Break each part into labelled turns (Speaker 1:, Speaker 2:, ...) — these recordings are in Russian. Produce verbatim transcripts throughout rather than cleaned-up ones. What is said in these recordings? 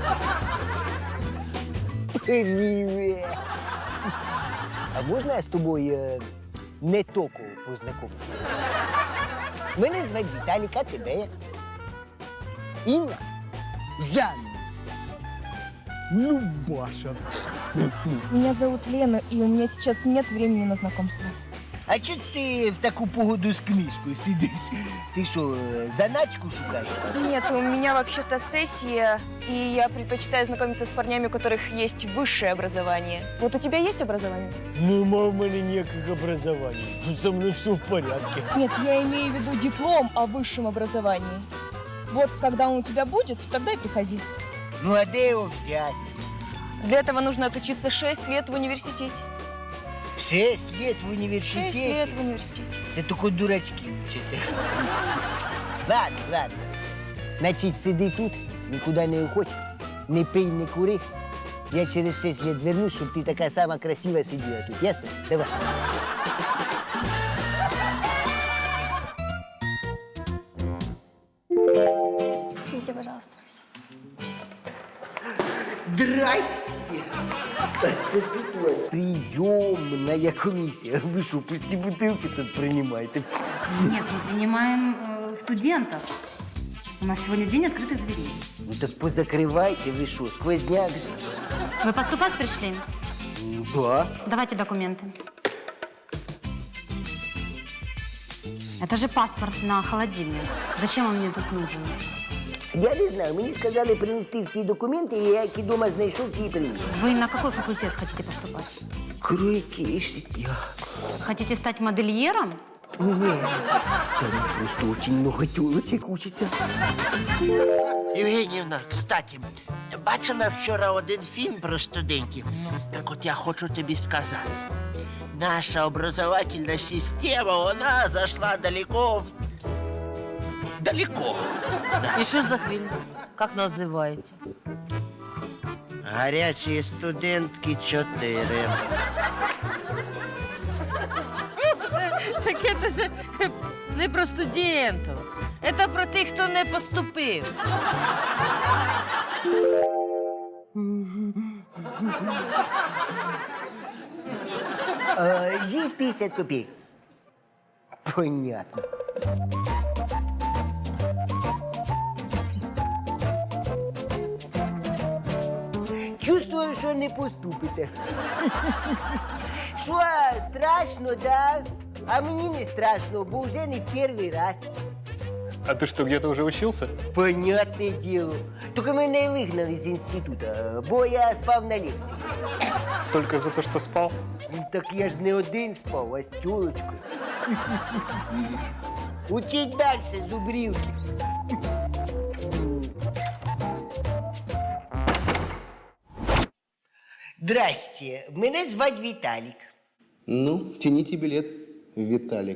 Speaker 1: Привіт! А можна я з тобою е, не току познайомитися? Мене звати Віталік, а тебе як? Інна? Жанна? Любаша.
Speaker 2: Меня зовут Лена, и у меня сейчас нет времени на знакомство.
Speaker 1: А чого ти в таку погоду з книжкою сидиш? Ти що, е, заначку шукаєш?
Speaker 2: Нет, у меня вообще-то сессия, и я предпочитаю знакомиться с парнями, у которых есть высшее образование. Вот у тебя есть образование?
Speaker 1: Нема в мене ніяких образований. Со мною все в порядку.
Speaker 2: Нет, я имею в виду диплом о высшем образовании. Вот когда он у тебя будет, тогда и приходи.
Speaker 1: Ну а де його взяти?
Speaker 2: Для этого нужно отучиться шесть лет в университете.
Speaker 1: Шесть лет в університеті?
Speaker 2: Шесть лет в университете.
Speaker 1: Це тільки дурачки вчаться. Ладно, ладно. Значить, сиди тут, нікуди не уходь, не пий, не кури. Я через шесть лет вернусь, щоб ти така сама красива сиділа тут. Ясно? Давай.
Speaker 2: Извините, пожалуйста.
Speaker 1: Здрасте! Це тут у вас прийомна комісія. Ви що, пусті бутилки тут приймаєте?
Speaker 3: Нет, мы принимаем э, студентов. У нас сегодня день открытых дверей.
Speaker 1: Ну так позакривайте, ви що, сквозняк же.
Speaker 3: Вы поступать пришли?
Speaker 1: Да.
Speaker 3: Давайте документы. Это же паспорт на холодильник. Зачем он мне тут нужен?
Speaker 1: Я не знаю, мені сказали принести всі документи, і я які дома знайшов, ті і приніс.
Speaker 3: Вы на какой факультет хотите поступать?
Speaker 1: Кройки,
Speaker 3: Хотите стать модельером?
Speaker 1: Ні, там просто дуже много тілочок учиться.
Speaker 4: Євгенівна, кстати, бачила вчора один фільм про студентів. Так от я хочу тобі сказати. Наша образовательна система, вона зайшла далеко в... далеко.
Speaker 5: И что за фильм? Как называете?
Speaker 4: Гарячі студентки чотири.
Speaker 5: Так это же не про студентів. Это про тих, хто не поступив.
Speaker 1: А, есть пятьдесят копеек? Понятно. Чувствую, що не поступите. Що, страшно, да? А мені не страшно, бо вже не в перший раз.
Speaker 6: А ты что, где-то уже учился?
Speaker 1: Понятне діло. Тільки мене вигнали з інституту, бо я спав на лекції.
Speaker 6: Только за то, что спал?
Speaker 1: Ну, так я ж не один спав, а з тёлочкою. Учіть далі, зубрілки. Здрасте, мене звать Віталік.
Speaker 7: Ну, тяните билет, Виталик.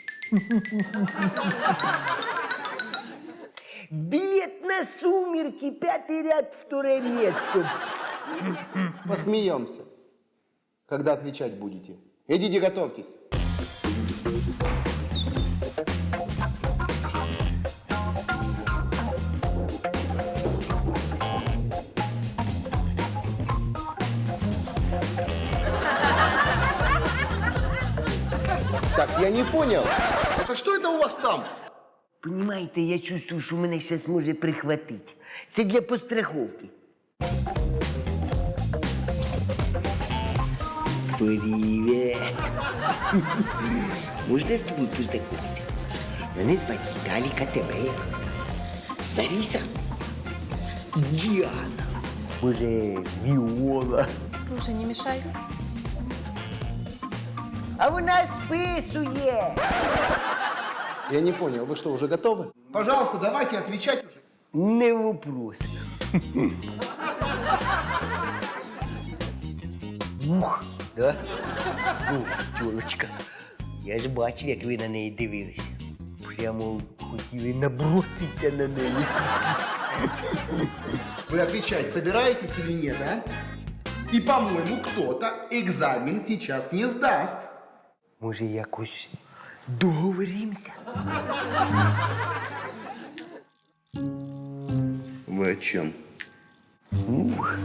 Speaker 1: Билет на «Сумерки», пятый ряд, второе место.
Speaker 7: Посмеемся. Когда отвечать будете? Идите, готовьтесь. Так, я не понял. Это что это у вас там?
Speaker 1: Понимаете, я чувствую, що мене зараз може прихватити. Це для постраховки. Привіт. Можна з тобою познайомитися? Мене звати Віталік, а тебе як? Лариса? Діана. Може, Віола?
Speaker 2: Слушай, не мешай.
Speaker 1: А вона списує.
Speaker 7: Я не понял, вы что, уже готовы? Пожалуйста, давайте отвечать уже.
Speaker 1: Не вопрос. Ух, да? Ух, тёлочка. Я ж бачив, як ви на неї дивилися. Прямо хотіли наброситися на неї.
Speaker 7: Вы отвечать собираетесь или нет, а? И, по-моему, кто-то экзамен сейчас не сдаст.
Speaker 1: Може, якось договоримося?
Speaker 7: Вы о чем?
Speaker 1: Ух.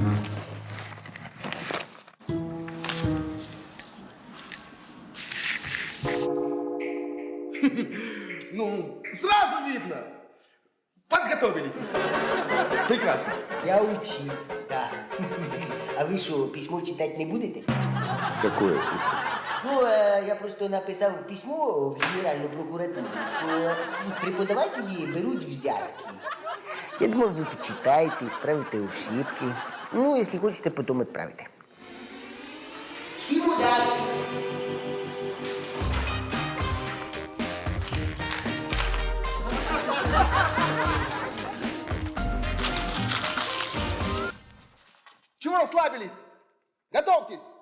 Speaker 7: Ну, сразу видно. Подготовились. Прекрасно.
Speaker 1: Я учив, так. А ви що, письмо читати не будете?
Speaker 7: Какое письмо?
Speaker 1: Ну, е, я просто написав письмо в Генеральну прокуратуру, що преподавателі беруть взятки. Я думав, ви почитаєте, справите ошибки. Ну, якщо хочете, потім відправите. Всім удачі!
Speaker 7: Чего расслабились? Готовьтесь.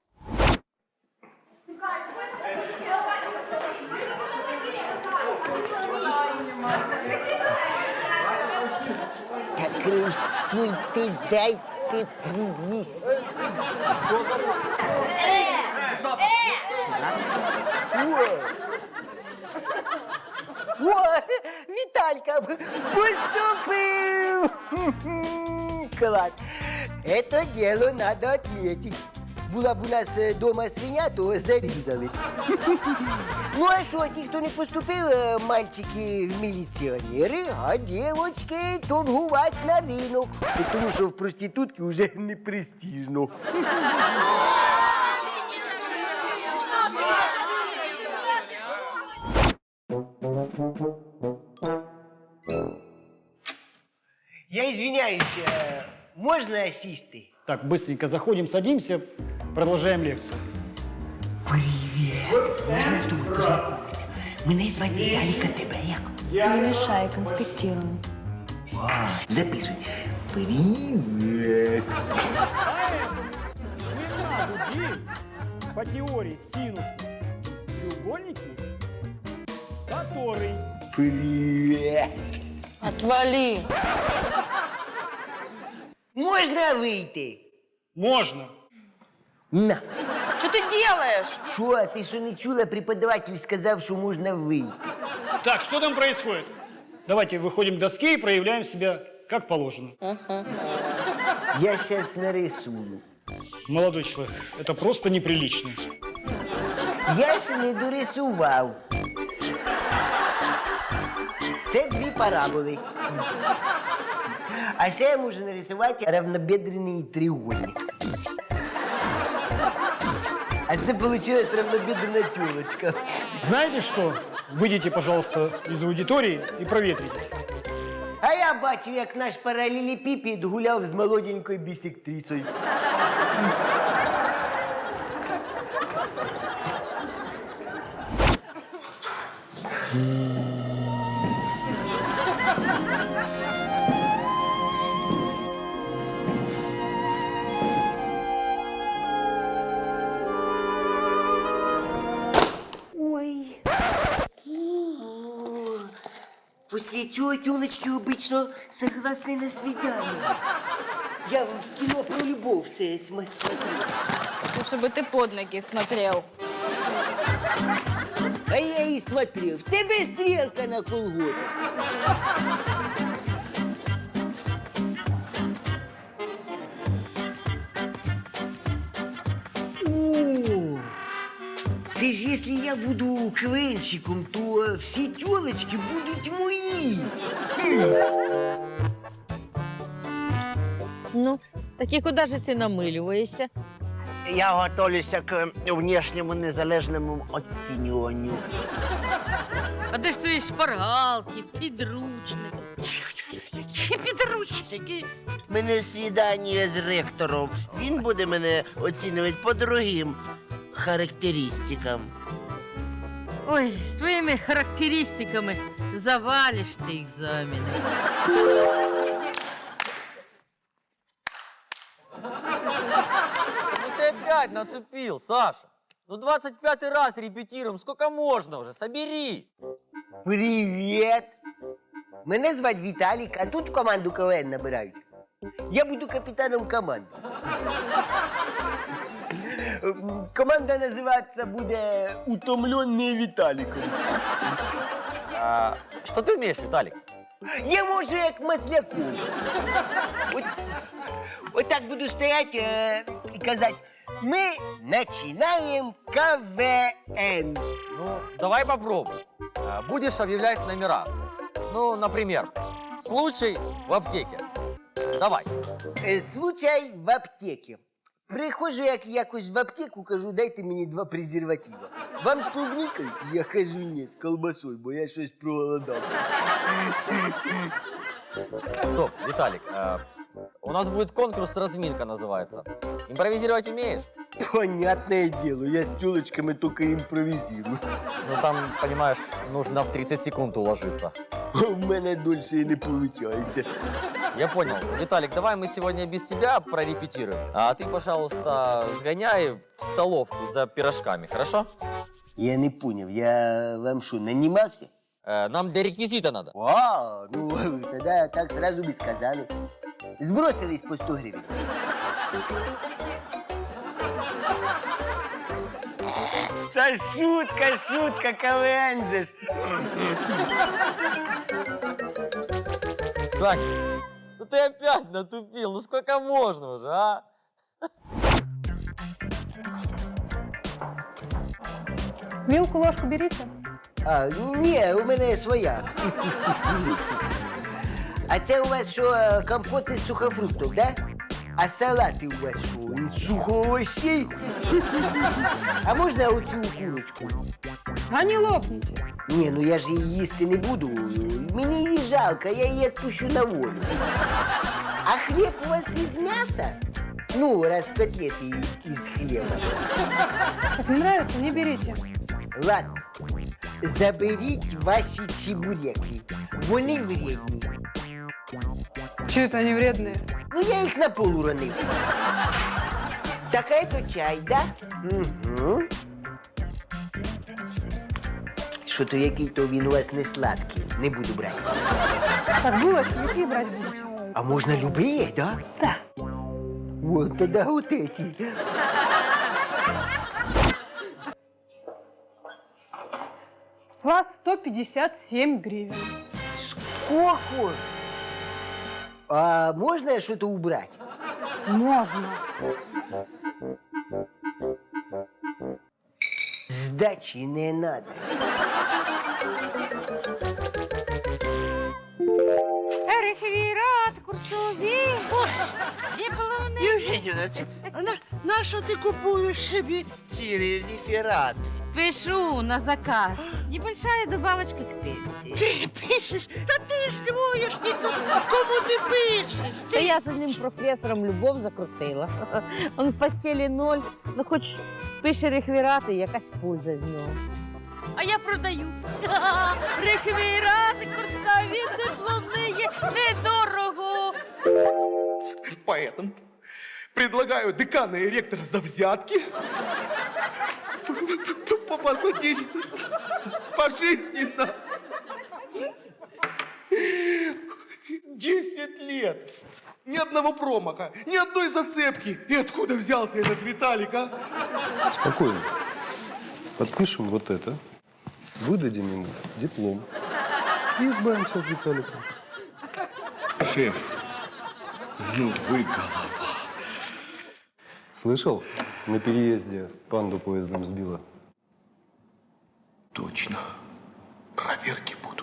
Speaker 1: Так розстійте, дайте приїсти. Що? О, Віталька поступив! Клас! Это дело надо отметить. Була б у нас е, дома свиня, то зарізали. Ну а що, ті, хто не поступив, е, мальчики в міліціонери, а дівочки торгувати на ринок. Тому що в проститутки вже не престижно. Я извиняюсь, е, можна сісти?
Speaker 8: Так, быстренько заходим, садимся, продолжаем лекцию.
Speaker 1: Привіт! Можна з тобою познайомитися? Мене звати Віталіка, тебе як?
Speaker 2: Не мешай, конспектируем.
Speaker 1: Записуй. Привіт!
Speaker 8: По теории синуса треугольники, который...
Speaker 1: Привіт!
Speaker 5: Отвали.
Speaker 1: Можна вийти?
Speaker 8: Можно.
Speaker 1: На.
Speaker 5: Что ты делаешь?
Speaker 1: Що, ти що не чула? Преподаватель сказав, що можна вийти.
Speaker 8: Так, что там происходит? Давайте выходим к доске и проявляем себя как положено.
Speaker 1: Я зараз нарисую.
Speaker 8: Молодой человек, это просто неприлично.
Speaker 1: Я ще не дорисував. Це дві параболи. А ще я можу нарисувати равнобедрений треугольник. А це вийшла равнобедрена тілочка.
Speaker 8: Знаете что? Выйдите, пожалуйста, из аудитории и проветритесь.
Speaker 1: А я бачив, як наш паралелепіпед гуляв з молоденькою бісектрисою. Ой. После цього тёлочки обычно согласны на свидание. Я в кино про любовь це см- смотрю.
Speaker 2: Лучше бы ты под ноги смотрел.
Speaker 1: А я и смотрел. В тебе стрелка на колготах. О, це ж якщо я буду квенщиком, то всі тёлочки будуть мої.
Speaker 5: Ну, так и куда же ты намыливаешься?
Speaker 4: Я готовлюся к внешньому незалежному оцінюванню.
Speaker 5: А де ж твої шпаргалки, підручники?
Speaker 4: Які підручники? Мене свідання з ректором. Він буде мене оцінювати по другим характеристикам.
Speaker 5: Ой, з твоїми характеристиками завалиш ти екзамени.
Speaker 9: Ну ты опять натупил, Саша. Ну двадцать пятый раз репетируем, сколько можно уже, соберись.
Speaker 1: Привіт! Мене звати Віталік, а тут в команду КВН набирають. Я буду капітаном команди. Ем, Команда називатися буде «Утомленний Віталіком».
Speaker 9: А, что ты умеешь, Виталик?
Speaker 1: Я можу як Масляков. От, от так буду стояти е, і казати, ми починаємо КВН.
Speaker 9: Ну, давай попробуем. А, Будешь объявлять номера. Ну, например, случай в аптеке. Давай.
Speaker 1: Е, Случай в аптеці. Приходжу як якось в аптеку, кажу, дайте мені два презерватива. Вам з клубнікою? Я кажу, ні, з колбасою, бо я щось проголодався.
Speaker 9: Стоп, Виталик. а, у нас будет конкурс «Разминка» называется. Импровизировать умеешь?
Speaker 1: Понятное дело, я с тёлочками только импровизирую.
Speaker 9: Ну, там, понимаешь, нужно в тридцать секунд уложиться.
Speaker 1: У мене дольше і не виходить.
Speaker 9: Я понял. Виталик, давай мы сегодня без тебя прорепетируем. А ты, пожалуйста, сгоняй в столовку за пирожками, хорошо?
Speaker 1: Я не понял, я вам що, нанімався?
Speaker 9: Э, нам для реквизита надо.
Speaker 1: А, ну тогда так сразу бы сказали. Сбросились по сто гривен. Та шутка, шутка, КВН же ж.
Speaker 9: Сань, ну ты опять натупил. Ну сколько можно уже, а?
Speaker 10: Вилку, ложку берите.
Speaker 1: А, ні, у мене своя. А це у вас що, е, компот із сухофруктів, да? А салати у вас що, із сухоовощей? А можна оцю курочку?
Speaker 10: А не лопните.
Speaker 1: Ні, ну я ж її їсти не буду. Мені її жалко, я її відпущу на волю. А хліб у вас із м'яса? Ну, раз котлети із хліба.
Speaker 10: Как не нравится, не берите.
Speaker 1: Ладно, заберіть ваші чебуреки. Вони вредні.
Speaker 10: Че это они вредные?
Speaker 1: Ну, я їх на пол уронив. Так, а это чай, да? Угу. Що-то який-то він у вас не сладкий. Не буду брати.
Speaker 10: Так, булочки какие брать будете?
Speaker 1: А можна любые, да?
Speaker 10: Да.
Speaker 1: Вот тогда вот эти.
Speaker 10: С вас сто пятьдесят семь гривен.
Speaker 1: Сколько? А можно что-то убрать?
Speaker 10: Можно.
Speaker 1: Сдачи не надо.
Speaker 5: Рехвірат, курсові, дипломний.
Speaker 4: Євгенівна, а на, на що ти купуєш собі ці реферати?
Speaker 5: Пишу на заказ. Небольшая добавочка к пенсии.
Speaker 4: Ти пишеш? Та ти ж двоєшниця. Кому ти пишеш?
Speaker 5: Та я з одним професором любов закрутила. Он в постелі ноль, ну хоч пише рехвірати, якась польза з нього. А я продаю. Рехвірати, курсові, дипломні, недорого.
Speaker 7: Поэтому предлагаю декана и ректора за взятки посадить пожизненно. Десять лет. Ни одного промаха, ни одной зацепки. И откуда взялся этот Виталик, а?
Speaker 11: Спокойно. Подпишем вот это, выдадим ему диплом и избавимся от Виталика.
Speaker 7: Шеф, ну вы голова.
Speaker 11: Слышал? На переезде панду поездом сбила.
Speaker 7: Точно. Проверки будут.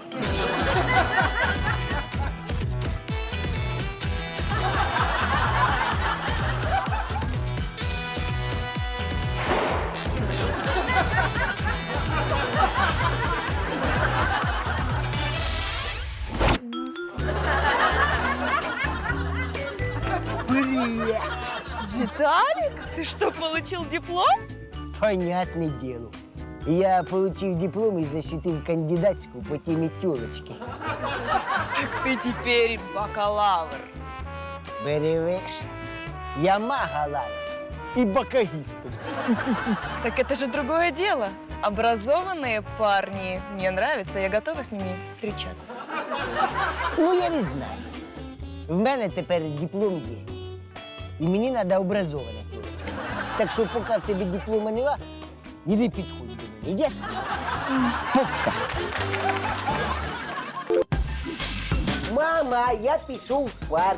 Speaker 2: Виталик, ты что, получил диплом?
Speaker 1: Понятное дело. Я получил диплом и защитил кандидатскую по теме тёлочки.
Speaker 2: Так ты теперь бакалавр.
Speaker 1: Беревеш, я магалавр и бакагист.
Speaker 2: Так это же другое дело. Образованные парни мне нравятся, я готова с ними встречаться.
Speaker 1: Ну, я не знаю. В мене тепер диплом є. І мені треба образована тёлочка. Так що, поки в тебе диплома нема, іди підходь до мене. Йдеш? Пока. Мама, я пішов в парк.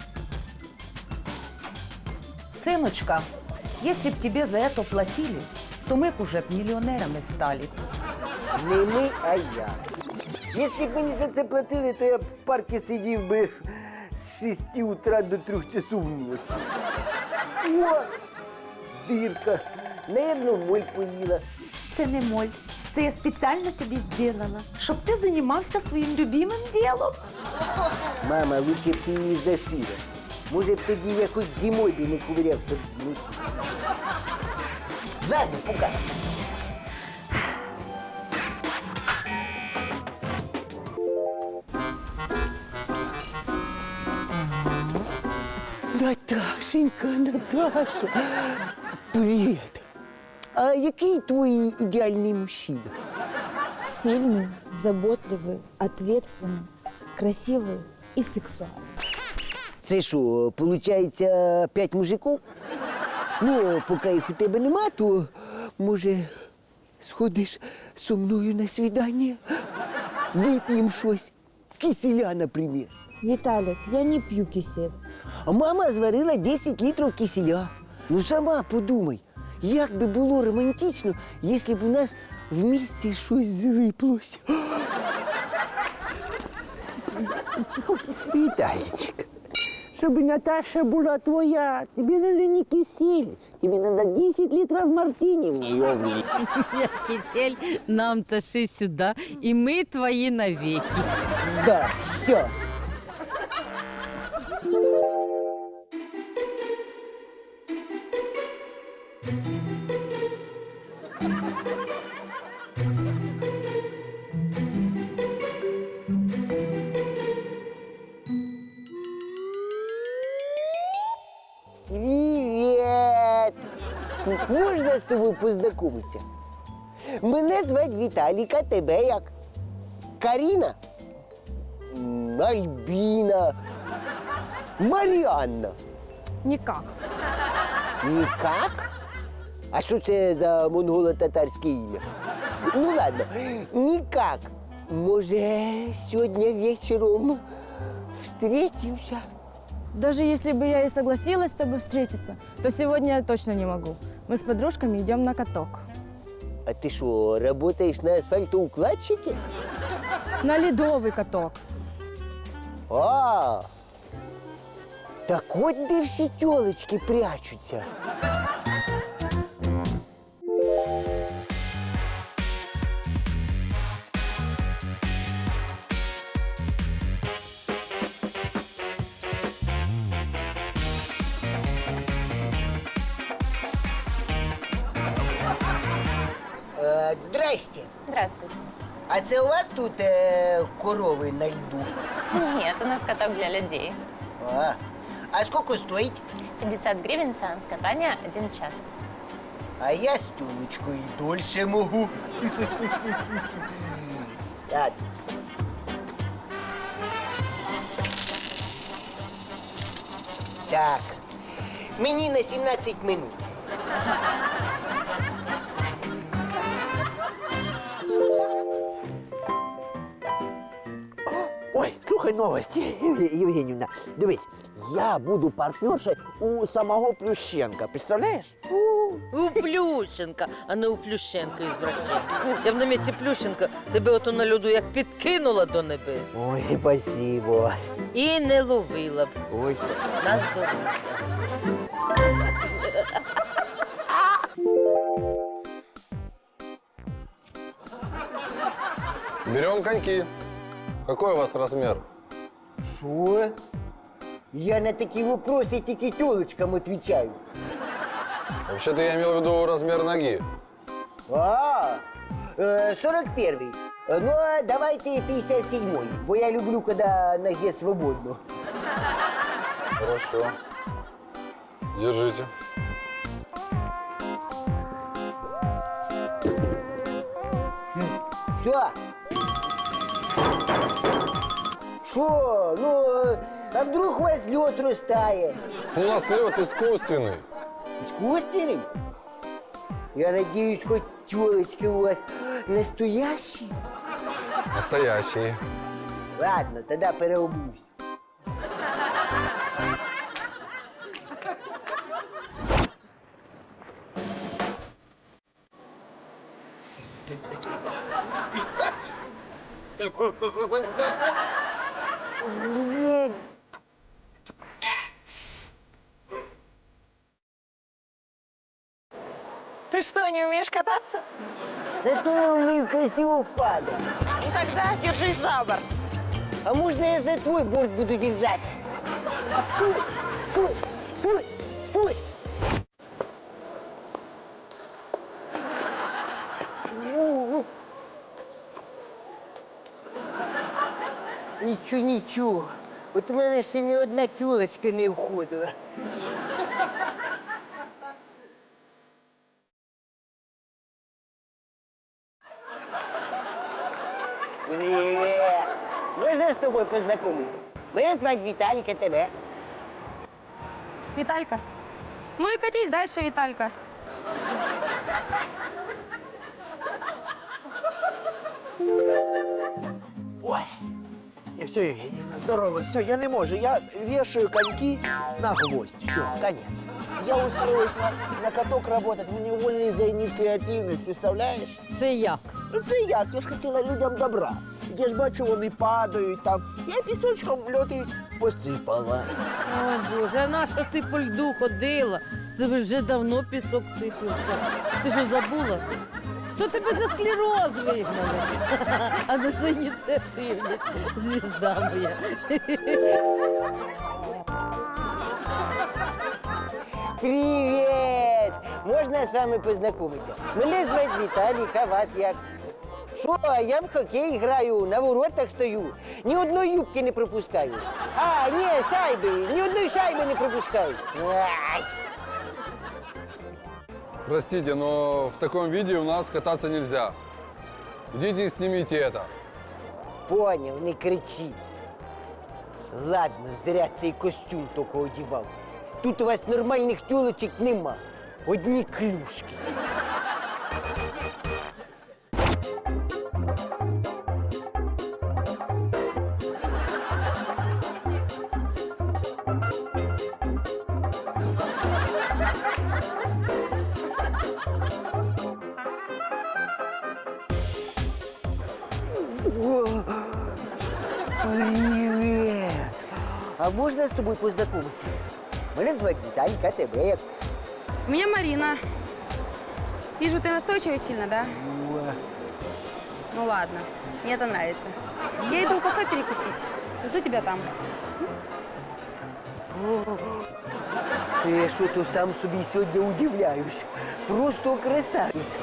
Speaker 3: Сыночка, если б тебе за это платили, то мы б уже б миллионерами стали.
Speaker 1: Не ми, а я. Якщо б мені за це платили, то я б в парку сидів би з шести утра до трьох часов ночі. О, дирка. Наверно, моль поїла.
Speaker 3: Це не моль. Це я спеціально тобі зробила, щоб ти займався своїм любимим ділом.
Speaker 1: Мама, лучше б ти її зашила. Може б тоді я хоч зимою би не ковирявся в носі. Ладно, пока. Наташенька, Наташа, привіт. А який твій ідеальний мужчина?
Speaker 12: Сильный, заботливый, ответственный, красивый и сексуальный.
Speaker 1: Це що, виходить, п'ять мужиків? Ну, поки їх у тебе нема, то, може, сходиш зі мною на свідання? Вип'ємо щось. Киселя, наприклад.
Speaker 12: Виталик, я не пью кисель.
Speaker 1: А мама зварила десять літрів киселя. Ну, сама подумай, як би було романтично, якщо б у нас в місті щось злиплося.
Speaker 13: Виталичек, чтобы Наташа была твоя, тебе надо не кисель, тебе надо десять литров мартини в нее влить.
Speaker 5: Кисель, нам тащи сюда, и мы твои навеки.
Speaker 1: Да, сейчас. Привет! Можна з тобою познайомитися? Мене звати Віталік, а тебе як? Каріна? М, Альбіна? Маріанна?
Speaker 2: Никак.
Speaker 1: Нікак? А що це за монголо-татарське ім'я? Ну ладно, нікак. Може, сьогодні вечором встретимся?
Speaker 12: Даже если бы я и согласилась с тобой встретиться, то сегодня я точно не могу. Мы с подружками идем на каток.
Speaker 1: А ты что, работаешь на асфальтоукладчике?
Speaker 12: На ледовый каток.
Speaker 1: А, так от де всі тілочки прячуться. Е, Здрасте.
Speaker 2: Здравствуйте.
Speaker 1: А це у вас тут е, корови на льду?
Speaker 2: Нет, у нас каток для людей.
Speaker 1: А, а сколько стоїть?
Speaker 2: пятьдесят гривен сеанс катания, один час.
Speaker 1: А я з тюлечкою дольше можу. Так. Так. Мені на сімнадцять минут.
Speaker 13: Ой, слухай новості, Євгенівна. Дивись, я буду партнершею у самого Плющенка, представляєш?
Speaker 5: У Плющенка, а не у Плющенка извращенка. Я б на місці Плющенка тебе ото на льоду як підкинула до небес.
Speaker 13: Ой, спасибо.
Speaker 5: І не ловила б.
Speaker 13: Ой,
Speaker 5: На здоров'я.
Speaker 11: Берем коньки. Какой у вас размер?
Speaker 1: Що? Я на такі вопроси тільки тілочкам відповідаю.
Speaker 11: Вообще-то я имел в виду размер ноги.
Speaker 1: А, э, сорок первый. Э, Ну, а давайте пятьдесят седьмой, бо я люблю, когда ноге свободно.
Speaker 11: Хорошо. Держите.
Speaker 1: Все. Что? Ну, э, а вдруг у вас лед растает?
Speaker 11: У нас лед искусственный.
Speaker 1: Искусственный? Я надеюсь, хоть телочки у вас настоящие?
Speaker 11: Настоящий.
Speaker 1: Ладно, тоді переобусь.
Speaker 2: Ты что, не умеешь кататься?
Speaker 1: Зато я умею красиво падать.
Speaker 2: Ну тогда держись за борт.
Speaker 1: А можно я за твой борт буду держать? Фу, фу, фу, фу. Нічого, нічого. От у мене ще ні одна тюлочка не входила. Привет! Можно с тобой познакомиться? Меня звать Виталик, а тебя?
Speaker 12: Виталька. Ну и катись дальше, Виталька.
Speaker 4: Ой, и все, Евгеньевна, здорово, все, я не могу, я вешаю коньки на гвоздь, все, конец. Я устроилась на, на каток работать, меня уволили за инициативность, представляешь?
Speaker 5: Це як?
Speaker 4: Ну це як, я ж хотіла людям добра. Я ж бачу, вони падають там, я пісочком льоти посипала.
Speaker 5: О, Боже, а на що ти по льду ходила? З тебе вже давно пісок сипався. Ти що, забула? То тебе за склероз вигнали, а не за ініціативність, звізда моя.
Speaker 1: Привет! Можно с вами познакомиться? Мене звать Віталік, а вас як? Що, я в хокей граю, на воротах стою, ні одної юбки не пропускаю. А, ні, шайби, ні одної шайби не пропускаю. Ай.
Speaker 11: Простите, но в таком виде у нас кататься нельзя. Идите и снимите это.
Speaker 1: Поняв, не кричи. Ладно, зря цей костюм тільки одівав. Тут у вас нормальних тюлочок нема. Одні клюшки. Привет! А можно с тобой познакомиться? Меня звать Виталик, а тебя як?
Speaker 12: Меня Марина. Вижу, ты настойчивый сильно, да? Ну ладно, мне это нравится. Я иду в кафе перекусить. Жду тебя там.
Speaker 1: Це я що-то сам собі сьогодні удивляюсь. Просто красавець.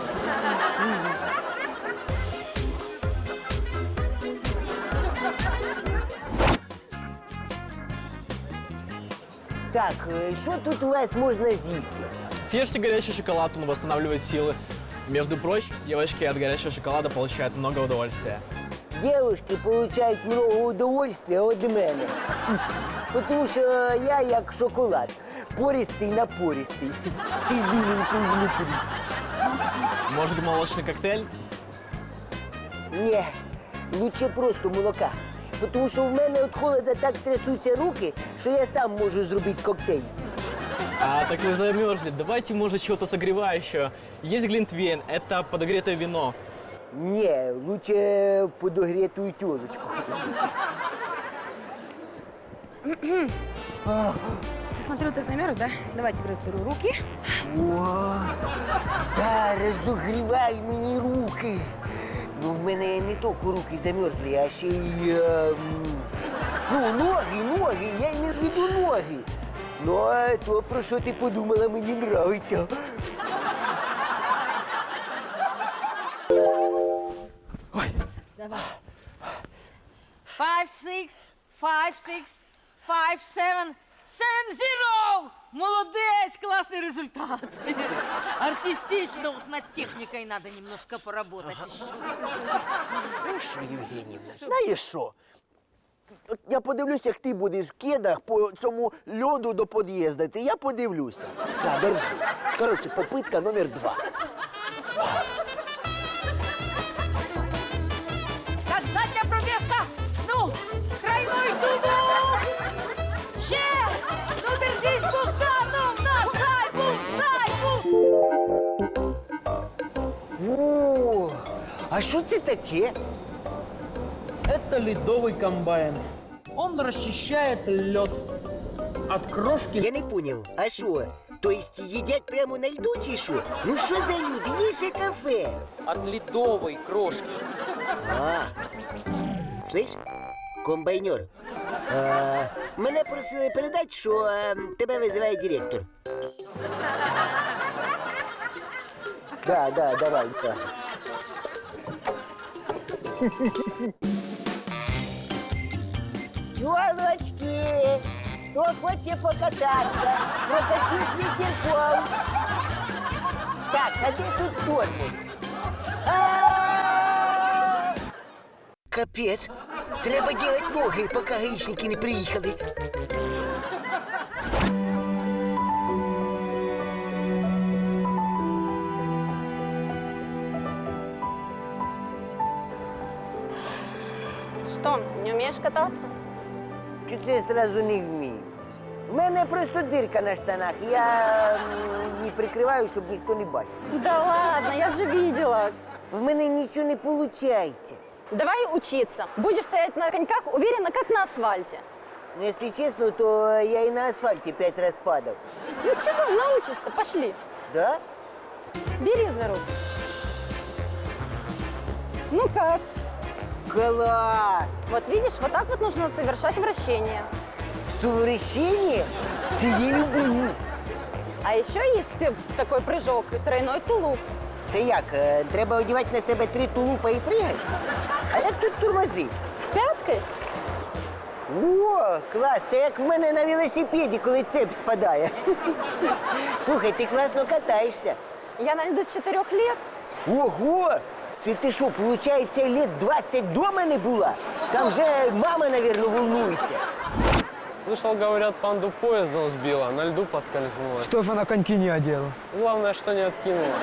Speaker 1: Так, що тут у вас можна з'їсти?
Speaker 14: Съешьте горячий шоколад, он восстанавливает силы. Между прочим, девочки от горячего шоколада получают много удовольствия.
Speaker 1: Девушки получають много удовольствия від мене. Тому що я як шоколад. Пористий-напористий. З ізюминкою внутрі.
Speaker 14: Может, молочный коктейль?
Speaker 1: Ні, лучше просто молока. Тому що в мене від холода так трясуться руки, що я сам можу зробити коктейль.
Speaker 14: А, так вы замерзли. Давайте, может, чего-то согревающего. Есть глинтвейн, это подогретое вино.
Speaker 1: Ні, лучше подогретую тёлочку.
Speaker 12: Смотрю, ты замерз, да? Давай тебе растиру руки.
Speaker 1: О, да, розогрівай мені руки. Ну, в мене не тільки руки замерзли, а ще й... Е, ну, ноги, ноги, я маю в виду ноги. Ну, а то, про що ти подумала, мені нравиться.
Speaker 5: Давай. Five, six, five, six, five, seven, seven, zero! Молодець, классный результат. Артистично, вот над техникой надо немножко поработать еще.
Speaker 4: Знаєш що, Євгенівна, знаєш що? От я подивлюся, як ти будеш в кедах по цьому льоду до під'їзду. Ти я подивлюся. На, держи. Коротше, попитка номер два.
Speaker 5: Так, задня пробежка. Ну,
Speaker 1: А що це таке?
Speaker 14: Это ледовый комбайн. Он расчищает лед от крошки.
Speaker 1: Я не поняв, а що? Тобто їдять прямо на льду чи що? Ну що за люди? Є ще кафе.
Speaker 14: От ледовой крошки.
Speaker 1: А, слышь, комбайнер, а, мене просили передати, що а, тебе визиває директор. Да, да, давай, да. Тёлочки, кто хочет покататься, прокатить с ветерком. Так, а где тут тормоз? А-а-а! Капец, треба делать ноги, пока гаишники не приехали.
Speaker 12: Что, не умеешь кататься?
Speaker 1: Чуть я сразу не вмію. В мене просто дирка на штанах. Я м, її прикриваю, щоб ніхто не бачив.
Speaker 12: Да ладно, я же видела.
Speaker 1: В мене нічого не виходить.
Speaker 12: Давай учиться. Будешь стоять на коньках уверенно, как на асфальте.
Speaker 1: Якщо чесно, то я і на асфальті п'ять раз падав.
Speaker 12: Ну чего, научишься, пошли.
Speaker 1: Да?
Speaker 12: Бери за руку. Ну как?
Speaker 1: Класс!
Speaker 12: Вот видишь, вот так вот нужно совершать вращение.
Speaker 1: Совращение? Це я люблю.
Speaker 12: А еще есть э, такой прыжок, тройной тулуп.
Speaker 1: Це як? е, Треба одягати на себе три тулупа і пригати? А як тут тормози?
Speaker 12: Пяткой?
Speaker 1: О, клас! Це як в мене на велосипеді, коли цепь спадає. Слухай, ти класно катаєшся.
Speaker 12: Я на льду с четырех лет.
Speaker 1: Ого! Це ти що, виходить, лет двадцять дома не була? Там вже мама, мабуть, волнується.
Speaker 14: Слышал, говорят, панду поездом сбила, на льду подскользнулась.
Speaker 13: Что же она коньки не одела?
Speaker 14: Главное, что не откинула.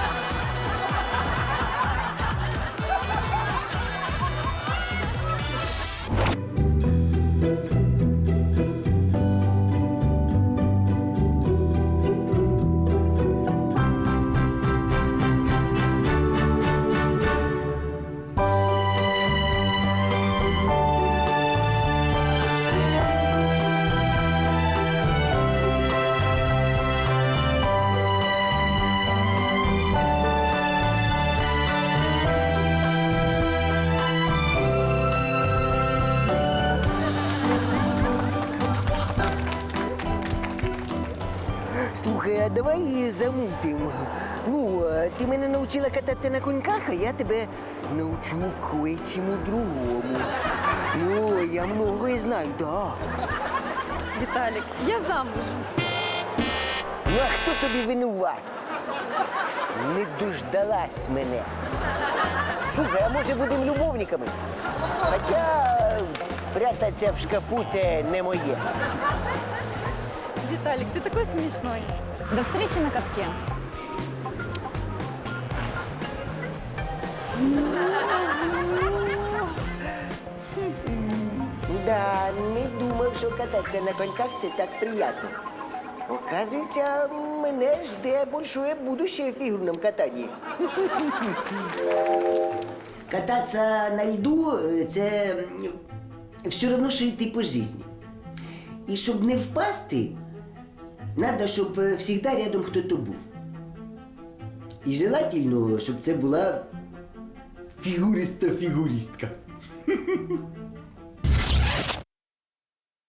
Speaker 1: Слухай, а давай її замутим. Ну, е, ти мене навчила кататися на коньках, а я тебе навчу кое-чому другому. Ну, я многое знаю, да.
Speaker 12: Виталик, я замужем.
Speaker 1: Ну, а хто тобі винуват? Не дождалась мене. Слухай, а може будемо любовниками? Хоча е, прятатися в шкафу – це не моє.
Speaker 12: Виталик, ты такой смешной. До встречи на катке.
Speaker 1: Да, не думав, що кататися на коньках – це так приємно. Оказується, мене жде большое будущее в фігурному катанні. Кататися на льду – це все одно, що йти по житті. І щоб не впасти, треба, щоб завжди рядом хтось був. І желательно, щоб це була фігуриста-фігуристка.